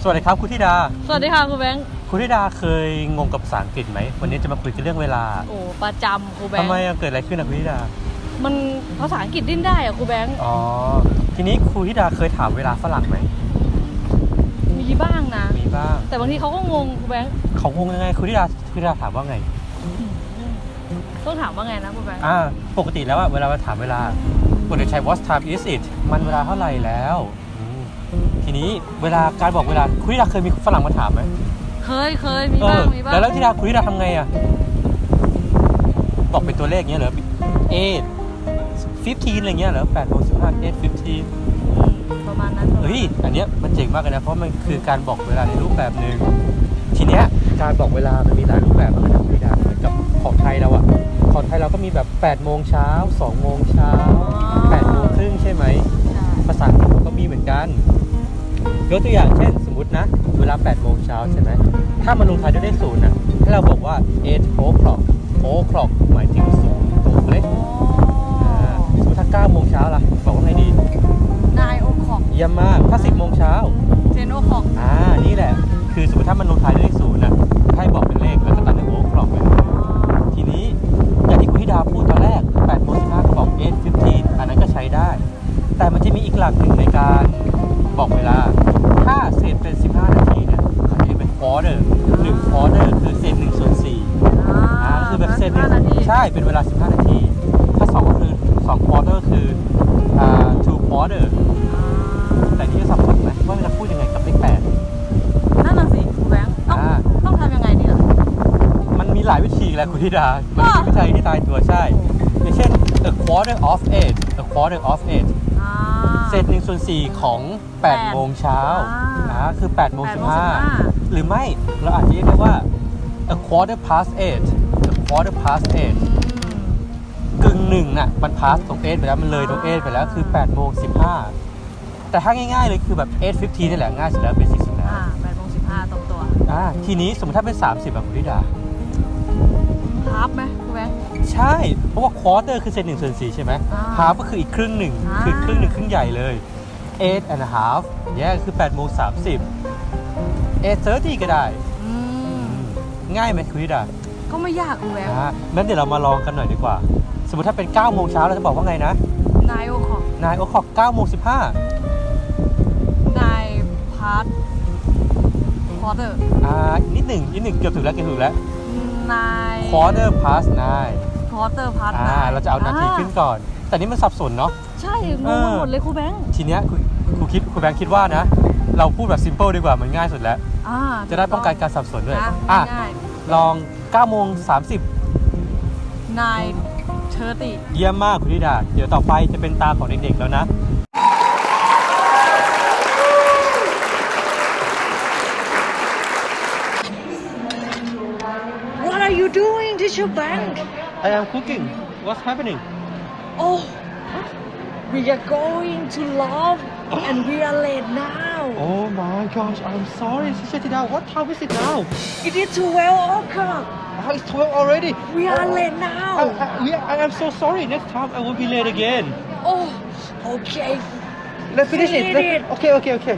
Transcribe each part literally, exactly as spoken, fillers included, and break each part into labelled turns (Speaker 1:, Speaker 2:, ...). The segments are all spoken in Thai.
Speaker 1: วัสดีครับคุณธิดา
Speaker 2: สวัสดีค่ะครูแบงค์
Speaker 1: คุณธิดาเคยงงกับภาษาอังกฤษไหมวันนี้จะมาคุยกันเรื่องเวลา
Speaker 2: โอ้ประจำครูแบงค์
Speaker 1: ทำไมเกิดอะไรขึ้นนะคุณธิดา
Speaker 2: มันภาษาอังกฤษดิ้นได้อะครูแบงค์
Speaker 1: อ๋อทีนี้ครูธิดาเคยถามเวลาฝรั่งไหม
Speaker 2: มีบ้างนะ
Speaker 1: มีบ้าง
Speaker 2: แต่บางทีเขาก็งงครูแบงค์
Speaker 1: เขางงยังไงคุณธิดาคุณธิดาถามว่าไง
Speaker 2: ต้องถามว่าไงนะครูแบงค์
Speaker 1: อ่าปกติแล้วอะเวลาเราถามเวลาปกติใช้ what time is it มันเวลาเท่าไหร่แล้วทีนี้เวลาการบอกเวลาคุณธิดาเคยมีฝรั่งมาถามไหม
Speaker 2: เคยเคยมีบ้างมีบ้าง
Speaker 1: แล้วธิดาคุณธิดาทำไงอะบอกเป็นตัวเลขเงี้ยเหรอ eight fifteen อะไรเงี้ยเหรอแปดโมงสิบห้า eight fifteen
Speaker 2: ประมาณนั้น
Speaker 1: เฮ้ยอันเนี้ยมันเจ๋งมากเลยนะเพราะมันคือการบอกเวลาในรูปแบบหนึ่งทีเนี้ยการบอกเวลามันมีหลายรูปแบบมากนะคุณธิดาเหมือนกับของไทยเราอะของไทยเราก็มีแบบแปดโมงเช้าสองโมงเช้าแปดโมงครึ่งใช่ไหมภาษาอังกฤษก็มีเหมือนกันยกตัวอย่างเช่นสมมตินะเวลาแปดโมงเช้าใช่ไหมถ้ามันลงท้ายด้วยเลขศูนย์นะให้เราบอกว่า eight o'clock o'clock หมายถึงศูนย์ตรงเลยสมมติถ้าเก้าโมงเช้าล่ะบอกว่าไงดี
Speaker 2: nine o'clock
Speaker 1: เยี่ยมมากถ้าสิบโมงเช้า
Speaker 2: ten o'clock
Speaker 1: อ่านี่แหละคือสมมติถ้ามันลงท้ายด้วยเลขศูนย์นะให้บอกเป็นเลขแล้วก็ตัดด้วย o'clock ไปทีนี้อย่างที่คุณธิดาพูดตอนแรกแปดโมงสิบห้าบอก eight fifteen อันนั้นก็ใช้ได้แต่มันจะมีอีกหลักหนึ่งในการบอกเวลาถ้าเศษเป็นสิบห้านาทีเนี่ยเขาจะเรียกเป็น quarter หนึ่ง quarter คือเศษหนึ่งส่วนสี่อ่าคือแบบเศษหนึ่งใช่เป็นเวลาสิบห้านาทีถ้าสองก็คือสอง quarter คืออ่า two quarter แต่นี่จะสับสนไหมว่าจะพูดยังไงกับเลขแปด
Speaker 2: นั่นน่ะสิครูแบงค์ต้องต้องทำยังไงดีล่ะ
Speaker 1: มันมีหลายวิธีแหละคุณธิดามันมีวิธีที่ตายตัวใช่อย่างเช่น a quarter of eight a quarter of eightเศษหนึ่งส่วนสี่ของแปดโมงเช้าอ่าคือแปดโมงสิบห้าหรือไม่เราอาจจะเรียกได้ว่า a quarter past eight a quarter past eight กึ่งหนึ่งน่ะมัน past ตรง eight ไปแล้วมันเลยตรง eight ไปแล้วคือแปดโมงสิบห้าแต่ถ้าง่ายๆเลยคือแบบ eight fifteen นี่แหละง่ายสุดแล้วเบสิกสุดแล้ว
Speaker 2: อ่าแปดโมงสิบห้าตรงตัว
Speaker 1: อ่าทีนี้สมมติถ้าเป็นสามสิบแบบคุณธิดา
Speaker 2: ฮาร์ฟไหมครูแบงค์
Speaker 1: ใช่เพราะว่า quarter คือเศษหนึ่งส่วนสี่ใช่ไหม half ก็คืออีกครึ่งหนึ่งคือครึ่งหนึ่งครึ่งใหญ่เลย eight and a half แยกคือแปดโมงสามสิบ eight thirty ก็ได้ง่ายไหมคุณธิดา
Speaker 2: ก็ไม่ยากครูแบงค์
Speaker 1: อ่างั้นเดี๋ยวเรามาลองกันหน่อยดีกว่าสมมติถ้าเป็นเก้าโมงเช้าเราจะบอกว่าไงนะ
Speaker 2: nine o'clock
Speaker 1: nine o'clock เก้าโมงสิบห้า
Speaker 2: nine past quarter
Speaker 1: อ่านิดหนึ่งนิดหนึ่งเกือบถึงแล้วเกือบถึงแล้ว
Speaker 2: nine
Speaker 1: quarter past nine
Speaker 2: quarter past
Speaker 1: อ่าเราจะเอานาทีขึ้นก่อนแต่นี่มันสับสนเนาะ
Speaker 2: ใช่งงหมดเลยครูแบงค์
Speaker 1: ทีเนี้ยครูครูคิดครูแบงค์คิดว่านะเราพูดแบบ simple ดีกว่ามันง่ายสุดแล้วจะได้ป้องกันการสับสนด้วยอ่ะลองเก้าโมงสามสิบ
Speaker 2: nine thirty
Speaker 1: เยี่ยมมากคุณธิดาเดี๋ยวต่อไปจะเป็นตาของเด็กๆแล้วนะ
Speaker 2: What are you doing, Teacher Bank?
Speaker 1: I am cooking. What's happening?
Speaker 2: Oh, we are going to love and we are late now.
Speaker 1: Oh my gosh, I'm sorry, Teacher Thida. What time is it now?
Speaker 2: It is twelve o'clock.
Speaker 1: Oh, it's twelve already.
Speaker 2: We are oh, late now.
Speaker 1: I, I, we, I am so sorry. Next time I will be late again.
Speaker 2: Oh, okay.
Speaker 1: Let's finish it. Let's, okay, okay, okay.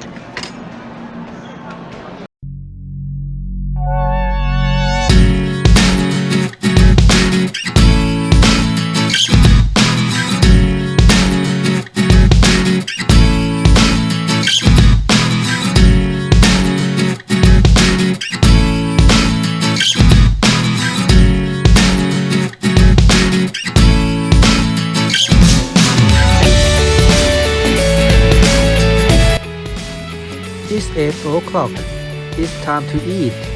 Speaker 1: It's eight o'clock. It's time to eat.